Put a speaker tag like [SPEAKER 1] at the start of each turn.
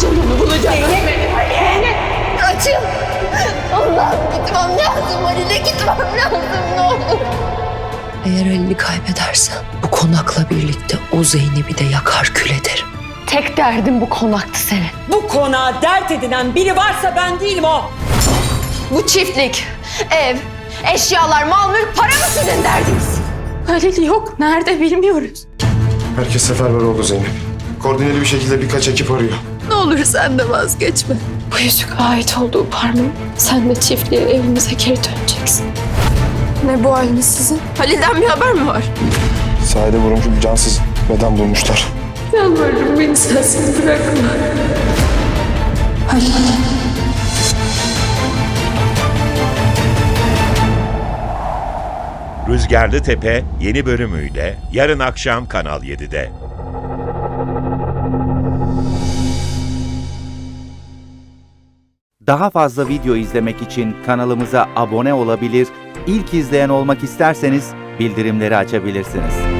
[SPEAKER 1] bulacağım onu, bulacağım.
[SPEAKER 2] Zeynep! Kaçın! Allah'ım gitmem lazım Halil'e, gitmem lazım ne olur.
[SPEAKER 1] Eğer Halil'i kaybedersen bu konakla birlikte o Zeynep'i de yakar kül ederim.
[SPEAKER 2] Tek derdim bu konaktı senin.
[SPEAKER 3] Bu konağa dert edinen biri varsa ben değilim o.
[SPEAKER 2] Bu çiftlik, ev, eşyalar, mal, mülk, para mı sizin derdiniz?
[SPEAKER 1] Halil yok. Nerede bilmiyoruz.
[SPEAKER 4] Herkes seferber oldu Zeynep. Koordineli bir şekilde birkaç ekip arıyor.
[SPEAKER 1] Ne olur sen de vazgeçme. Bu yüzük ait olduğu parmağım. Sen de çiftliğe, evimize geri döneceksin. Ne bu haliniz sizin? Halil'den bir haber mi var?
[SPEAKER 4] Sahilde vurulmuş bir cansız beden bulmuşlar.
[SPEAKER 1] Yalvarırım beni sensiz bırakma. Halil.
[SPEAKER 5] Rüzgarlı Tepe yeni bölümüyle yarın akşam Kanal 7'de.
[SPEAKER 6] Daha fazla video izlemek için kanalımıza abone olabilir, ilk izleyen olmak isterseniz bildirimleri açabilirsiniz.